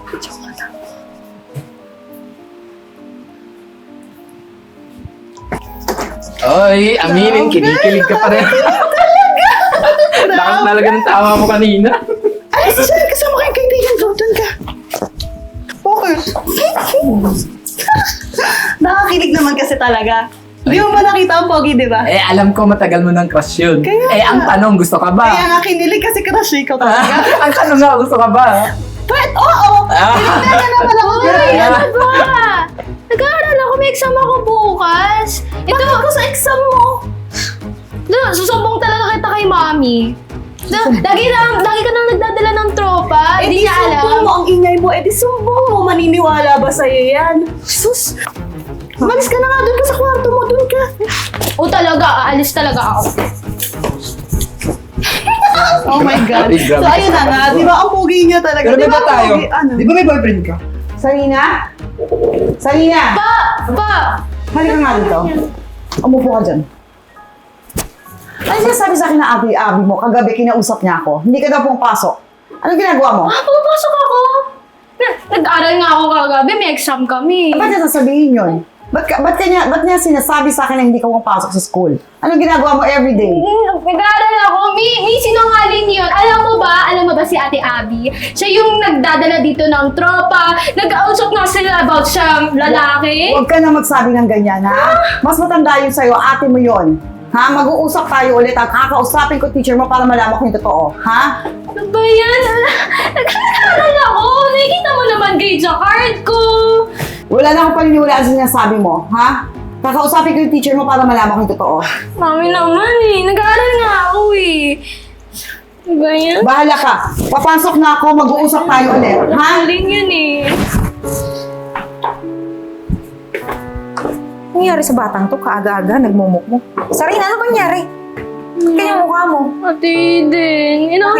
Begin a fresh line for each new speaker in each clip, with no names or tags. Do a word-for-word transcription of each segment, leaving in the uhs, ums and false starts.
Oy, aminin, kinikilig ka pa rin. Lakas talaga ng tawa mo kanina.
Ay, saan kasama kayong kaibigan ko? Doon ka. Focus. Nakakilig naman kasi talaga. Di mo ba nakita ang pogi, di ba?
Eh, alam ko matagal mo ng crush yun.
Kaya
eh, ang
nga.
tanong, gusto ka ba?
Kaya nga kinilig kasi crush ikaw talaga.
ang tanong nga, gusto ka ba?
But, oo! Pinagdala naman ako.
Ay,
Ah.
ano ba? Nag-aaral ako, may exam ako bukas. Ito,
Bakit ko sa exam mo?
na, susubong talaga kita kay mami. Na, lagi, na, lagi ka nang nagdadala ng tropa,
Eh
hindi
di
niya
sumbong
alam.
mo ang ingay mo. Eh di sumbong mo. Maniniwala ba sa'yo yan? Sus! Umalis ka na nga. Doon ka sa kwarto mo. Doon ka.
O talaga, aalis talaga ako.
Oh my God.
Ay, grabe
So ayun na nga. Di ba ang pogi niya talaga?
Pero
Di
di ba
ang
tayo?
pogi- Ano?
Di ba may boyfriend ka?
Sarina? Sarina!
Pa! Pa!
Halika nga dito. Umupo ka dyan. Ano sinasabi sa akin na abi-abi mo? Kagabi kinausap niya ako. Hindi ka daw pumapasok. Anong ginagawa mo?
Ah, pumapasok ako. Na- Nag-aaral nga ako kagabi, may exam kami.
Ba't niya sasabihin yun? Ba't, ka, ba't, kanya, ba't niya sinasabi sa akin na hindi ka pumapasok sa school? Anong ginagawa mo everyday?
Mm, Nag-aaral ako. May, may sinungaling yun. Alam mo ba? Alam mo ba si Ate Abby? Siya yung nagdadala dito ng tropa. Nag-ausap nga sila about sa lalaki.
Huwag ka na magsabi ng ganyan, ha? Mas matanda yun sa'yo, ate mo yun. Ha? Mag-uusap tayo ulit. Ang kakausapin ko teacher mo para malaman ko yung totoo. Ha?
Ano ba yan? Nag-aaral ako. Nakikita mo naman grade sa card ko.
Wala na akong paniniwalaan sa sinasabi mo. Ha? Kakausapin ko yung teacher mo para malaman ko yung totoo.
Mami naman eh. Nag-aaral nga ako eh. Ano ba yan?
Bahala ka. Papasok na ako. Mag-uusap tayo ulit. Ha?
Galing yan eh.
Ano nangyari sa batang to? Kaaga-aga, nagmumukmuk. Sarina, ano ba nangyari? Kaya mukha mo.
Ate Eden, you know,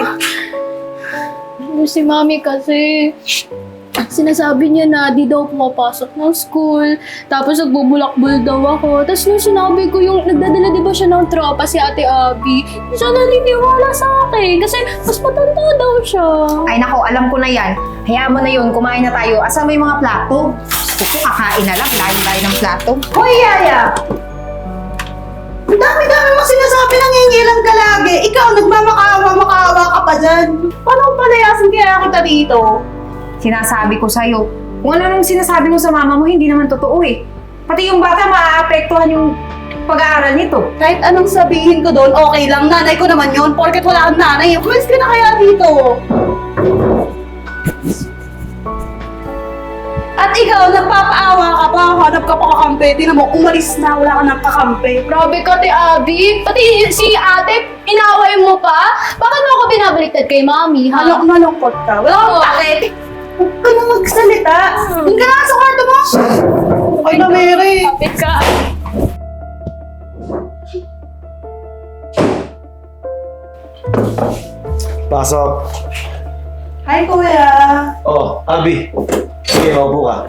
si Mami kasi, sinasabi niya na di daw pumapasok ng school, tapos nagbubulakbul daw ako. Tapos nung sinabi ko yung nagdadala di ba siya ng tropa, si Ate Abby, hindi siya naniniwala sa akin kasi mas matanda daw siya.
Ay nako, alam ko na yan. Hayaan mo na yun, kumain na tayo. Asan mo yung mga plato? Gusto ko, kakain na lang. Layo-layo ng plato.
Hoy, Yaya! Ang dami-dami mo sinasabi ng ngingilang ka lagi. Ikaw, nagmamakaawa-makaawa ka pa dyan. Paano kung palayasin kaya kita dito?
Sinasabi ko sa'yo, kung ano nang sinasabi mo sa mama mo, hindi naman totoo eh. Pati yung bata, maaapektuhan yung pag-aaral nito.
Kahit anong sabihin ko doon, okay lang. Nanay ko naman yun. Porket wala kang nanay. Umalis ka na kaya dito. At ikaw, nagpapaawa ka pa. Hanap ka pa kakampi. Tingnan mo, umalis na. Wala ka nang kakampi.
Grabe ka, Ate Abby. Pati si ate, inaway mo pa? Bakit mo ako binabaliktad kay Mami, ha?
Malung malungkot ka. Wala kang
Oo.
takit. Huwag ka na magsalita. Doon ka na sa kwarto mo. Okay na, Mary.
Kapit ka.
Pasok.
Hi, Kuya.
Oh, Abi. Sige, maupo ka.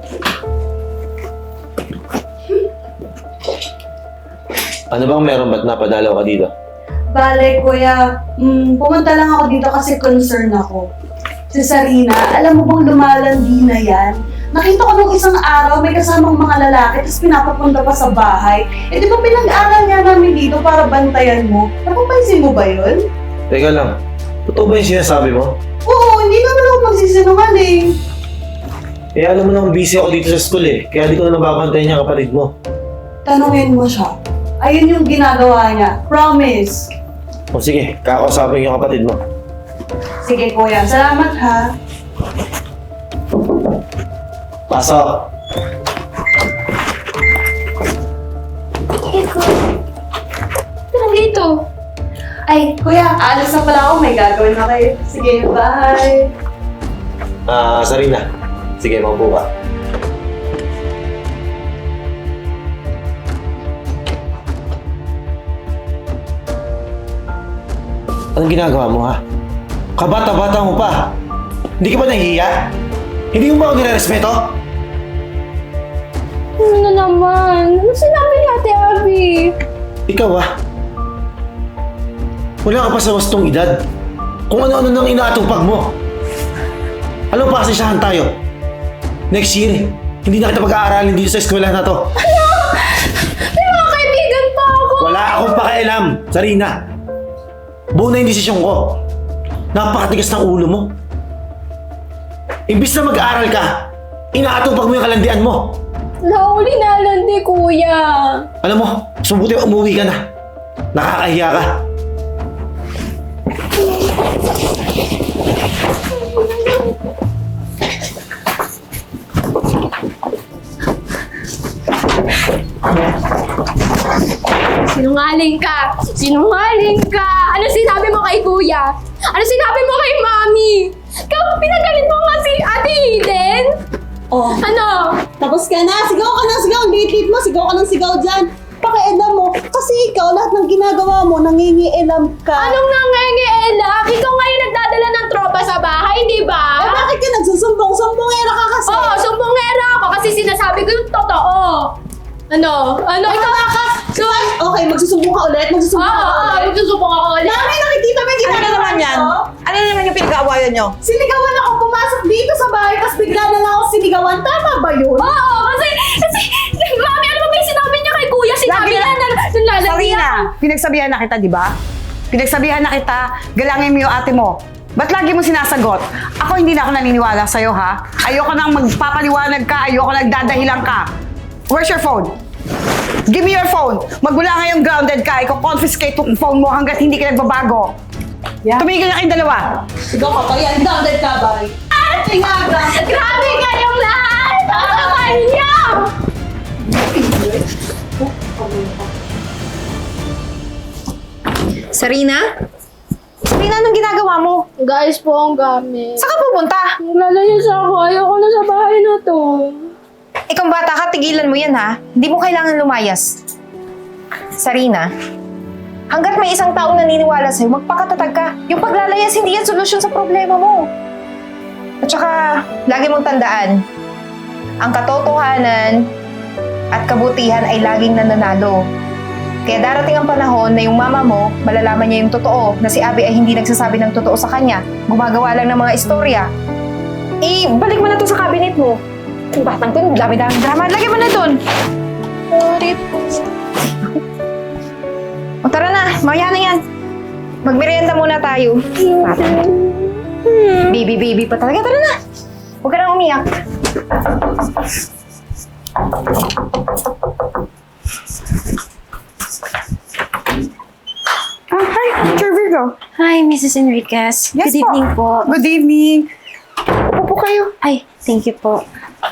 Ano bang meron? Ba't napadalaw ka dito?
Bale, Kuya, mm, pumunta lang ako dito kasi concern ako. Si Sarina, alam mo bang lumalandi na yan? Nakita ko nung isang araw, may kasamang mga lalaki, tapos pinapapunta pa sa bahay. Eh, di ba pinag-aral nga namin dito para bantayan mo? Napapansin mo ba yun?
Teka lang. Totoo ba yung sinasabi mo?
Oo, hindi naman ako magsisinungaling.
Eh, alam mo naman busy ako dito sa school eh. Kaya di ko na nababantayan yung kapatid mo.
Tanungin mo siya. Ayun yung ginagawa niya. Promise.
O sige, kakausapin yung kapatid mo.
Sige, Kuya. Salamat, ha?
Pasok.
Tara dito.
Ay, Kuya, alis na pala ako. May gagawin na kayo. Sige, bye.
Ah, Sarina. Sige, maupo ka. Anong ginagawa mo ha? Kabata-bata mo pa. Hindi ka ba nahihiya? Hindi mo ba ako nire-respeto?
Ano na naman? Ano sinabi ni Ate Abby?
Ikaw ah. Wala ka pa sa wastong edad. Kung ano-ano nang inaatupag mo. Alam mo pa kasi siyahan tayo. Next year, hindi na kita pag-aaralin dito sa eskwela na to.
May mga kaibigan pa ako!
Wala akong pakialam, Sarina. Buo na yung desisyon ko. Napakatigas ng ulo mo. Imbis na mag-aaral ka, inaatupag mo yung kalandian mo.
Nauli na landi, kuya.
Alam mo, sumubuti umuwi ka na. Nakakahiya ka.
Sinungaling ka! Sinungaling ka! Ano sinabi mo kay kuya? Ano sinabi mo kay mami? Ikaw, pinagalit mo nga si Ate Eden?
Oh,
Ano?
tapos ka na. Sigaw ka na, sigaw. Date mo. Sigaw ka ng sigaw dyan. Pakialam mo. Kasi ikaw, lahat ng ginagawa mo, nangingialam ka.
Anong nangangielap? Ikaw ngayon nagdadala ng tropa sa bahay, di
Eh,
ba?
bakit ka nagsusumbong-sumbongera ka kasi?
Oo, sumbongera ako kasi sinasabi ko yung totoo. Ano? Ano? Ikaw ka? So,
Okay, magsusumbong ka ulit.
oo,
Magsusumbong ka
oo,
ulit.
magsusumbong ako ulit.
Mami, nakikita mo yung
Ano
ginagawa
na naman yan?
ko?
Ano na naman yung pinag-aawayan nyo?
Sinigawan ako pumasok dito sa bahay, tapos bigla na lang ako sinigawan. Tama ba yun?
Oo, kasi, kasi, mami, ano ba may sinabi niya kay kuya? Sinabi
Lagi
niya
na-
na nalalandi
Sarina,
ako.
pinagsabihan na kita, di ba? Pinagsabihan na kita, galangin mo yung ate mo. Ba't lagi mo sinasagot? Ako hindi na ako naniniwala sa'yo, ha? Ayoko nang magpapaliwanag ka, ayoko nagdadahilan ka. Where's your phone? Give me your phone. Magmula ngayong grounded ka, iko-confiscate yung phone mo hanggat hindi ka nagbabago.
Yeah.
Tumigil na kayong dalawa.
Sigaw ka pa yan. Grounded ka ba? Ate nga, grounded.
Grabe kayong lahat! Ano kanya?
Sarina? Sarina, anong ginagawa mo?
Guys po ang gamit.
Saan ka pupunta?
Maglalayas ako. Ayoko na sa bahay na to.
Ikaw bata ka, tigilan mo yan ha. Hindi mo kailangan lumayas. Sarina, hanggat may isang taong naniniwala sa'yo, magpakatatag ka. Yung paglalayas, hindi yan solusyon sa problema mo. At saka, lagi mong tandaan, ang katotohanan at kabutihan ay laging nananalo. Kaya darating ang panahon na yung mama mo, malalaman niya yung totoo, na si Abby ay hindi nagsasabi ng totoo sa kanya, gumagawa lang ng mga istorya. Eh, balik mo na to sa cabinet mo. Yung batang to, dami-dami drama. Lagyan mo na dun.
Sorry po.
O tara na, maya na yan. Magmerienda muna tayo. Baby, baby pa talaga. Tara na. Huwag ka nang umiyak.
Ah, hi, Teacher Virgo.
Hi, Missus Enriquez.
Yes
Good evening po.
Good evening. Upo po kayo.
Ay, thank you po.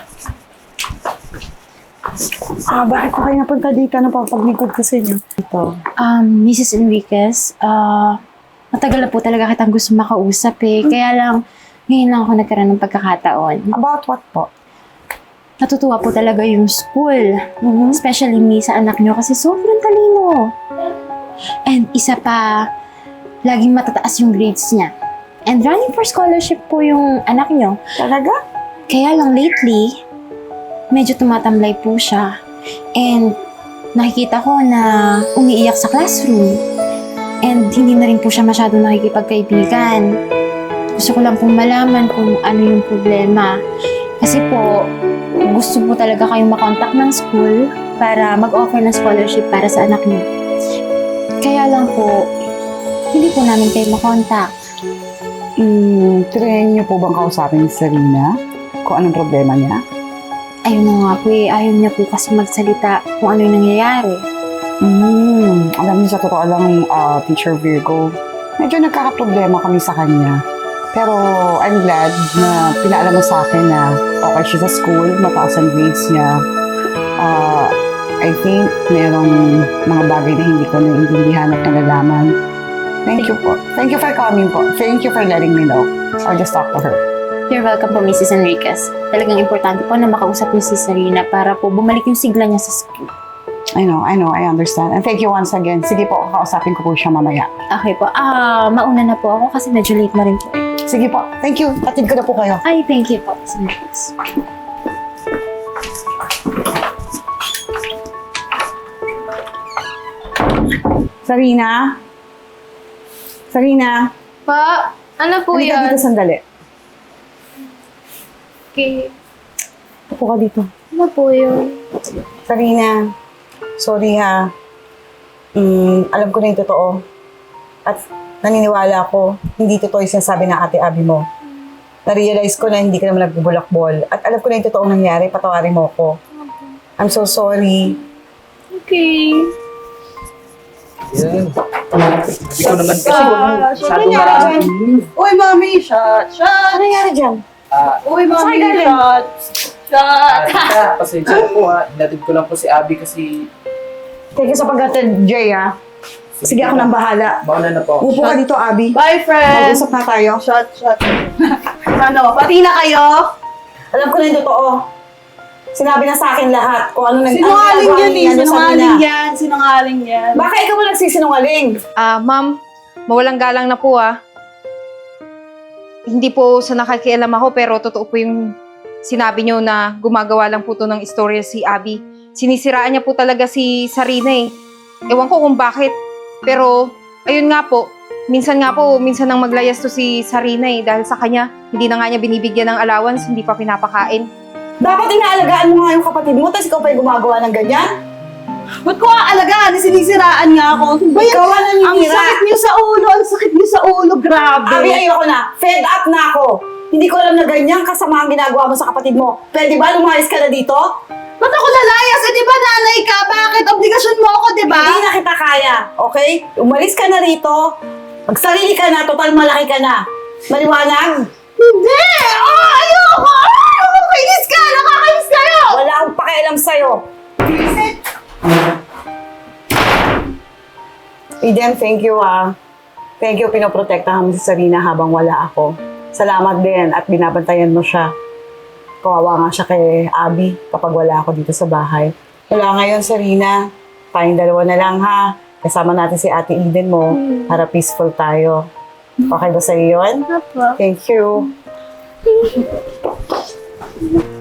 Ah, bakit po kayo napunta dito? Ano pa paglingkod ko sa inyo? Ito.
Um, Missus Enriquez, ah, matagal na po talaga kitang gusto makausap eh. Kaya lang, ngayon lang ako nagkaroon ng pagkakataon.
About what po?
Natutuwa po talaga yung school. Especially me sa anak nyo kasi sobrang talino. And isa pa, laging matataas yung grades niya. And running for scholarship po yung anak nyo.
Talaga?
Kaya lang lately, medyo tumatamlay po siya. And nakikita ko na umiiyak sa classroom. And hindi na rin po siya masyadong nakikipagkaibigan. Gusto ko lang pong malaman kung ano yung problema. Kasi po, gusto po talaga kayong makontak ng school para mag-offer ng scholarship para sa anak niyo. Kaya lang po, hindi po namin kayo makontak.
Hmm, try niyo po bang kausapin si Sarina? Kung anong problema niya?
Ayun na nga po eh, ayaw niya po kasi magsalita kung ano yung nangyayari.
Hmm, alam niyo sa totoo lang, ah, Teacher Virgo, medyo nagkakaproblema kami sa kanya. Pero I'm glad na pinaalam mo sa akin na okay siya sa school, mataas ang grades niya. Ah, I think merong mga bagay na hindi ko naiintindihan at nalalaman. Thank you po. Thank you for coming po. Thank you for letting me know. I'll just talk to her.
You're welcome po, Missus Enriquez. Talagang importante po na makausap niyo si Sarina para po bumalik yung sigla niya sa school.
I know, I know, I understand. And thank you once again. Sige po, kakausapin ko po siya mamaya.
Okay po. Ah, mauna na po ako kasi medyo late na rin po.
Sige po. Thank you. Tatid ko na po kayo.
Ay, thank you po, Missus Enriquez.
Sarina? Sarina?
Pa, ano po
Halika
yan?
dito sandali.
Okay.
Upo ka dito.
Ano po yun?
Sarina, sorry ha. Mm, alam ko na yung totoo. At naniniwala ako, hindi totoo yung sinasabi ng ate Abby mo. Na-realize ko na hindi ka naman nagbubulakbol. At alam ko na yung totoong nangyari, patawarin mo ko. I'm so sorry.
Okay.
Yan. Hindi ko naman kasi
Ah,
masyado
syempre nga,
marami.
Uy, mami, shot, shot!
Ano nangyari dyan?
Ah,
Uy, mami,
Saan galing?
shot! Shot!
Tita, pasensya na po ha. Hinatid ko lang po si Abby kasi...
Thank you sa pagkatid, Jay ha. Sige, ako nang bahala.
Mauna na po.
Upo ka dito, Abby.
Bye, friend!
Mag-usap na tayo.
Shot, shot. Ano, pati na kayo?
Alam ko na yung totoo. Sinabi na sa akin lahat kung ano nang
Sinungaling
ano
yan eh,
ni- ano,
sinungaling
Sarina.
yan, sinungaling yan.
Baka ikaw mo nagsisinungaling.
Ah, ma'am, mawalang galang na po ah. Hindi po sa nakakialam ako pero totoo po yung sinabi niyo na gumagawa lang po to ng istorya si Abby. Sinisiraan niya po talaga si Sarina eh. Ewan ko kung bakit. Pero, ayun nga po, minsan nga po, minsan nang maglayas to si Sarina eh dahil sa kanya, hindi na nga niya binibigyan ng allowance, hindi pa pinapakain.
Dapat inaalagaan mo nga yung kapatid mo, tapos ikaw pa yung gumagawa ng ganyan.
Ba't ko aalagaan? Sinisiraan nga ako. Ba yan?
Ikaw ang
Ang
naninira.
sakit niyo sa ulo, ang sakit niyo sa ulo, grabe.
Abi, ayoko na. Fed up na ako. Hindi ko alam na ganyan kasama ang ginagawa mo sa kapatid mo. Pwede ba lumayas ka na dito?
Ba't ako lalayas? Eh, di ba nanay ka? Bakit? Obligasyon mo ako, di ba?
Hindi na kita kaya, okay? Umalis ka na rito. Magsarili ka na, total malaki ka na. Maliwanag?
Hindi! Oh, ayoko! Oh, kainis ka! Nakakainis kayo!
Wala akong pakialam sa'yo. Eden, thank you ah. Thank you, pinoprotektahan mo si Sarina habang wala ako. Salamat din at binabantayan mo siya. Kawawa nga siya kay Abby kapag wala ako dito sa bahay. Wala ngayon, Sarina. Tayong dalawa na lang ha. Kasama natin si Ate Eden mo para peaceful tayo. Okay ba sa'yo yun?
Apa.
Thank you.